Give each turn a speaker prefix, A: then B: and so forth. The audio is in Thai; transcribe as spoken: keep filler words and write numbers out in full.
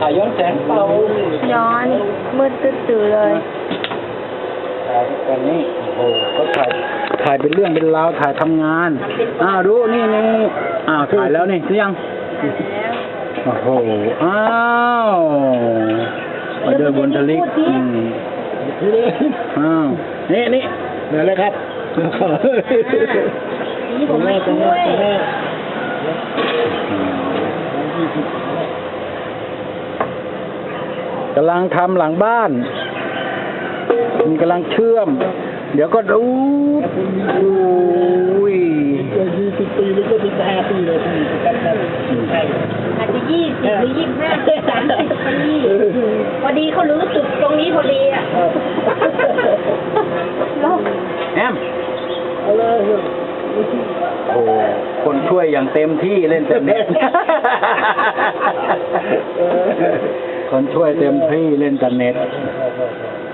A: ถ่ายย้อนแสงเปล่า
B: ย้อนมืดตื้อๆเลย
A: ถ่ายกันนี้โอ้โหก็ถ่ายถ่ายเป็นเรื่องเป็นราวถ่ายทำงานอ้าวดูนี่นี่อ้าวถ่ายแล้วนี่หรือยังโอ้โหอ้าวมาเดินบนทะเลอืมอ้าวนี่นี่เดี๋ยวเลยครับตรงแม่ตรงแม่ตรงแม่กำลังทำหลังบ้านมีกำลังเชื่อมเดี๋ยวก็ดูอุ้ยยี่สิบปีหรือก็สิบห้าปีเลย
C: อาจจะยี่สิบหรือยี่สิบห้าสามสิบปีพอดีเขารู้สึกตรงนี้พอดีอ่ะ
A: แอมโอ้คนช่วยอย่างเต็มที่เล่นแต่เน็ตคนช่วยเต็มที่เล่นแต่เน็ต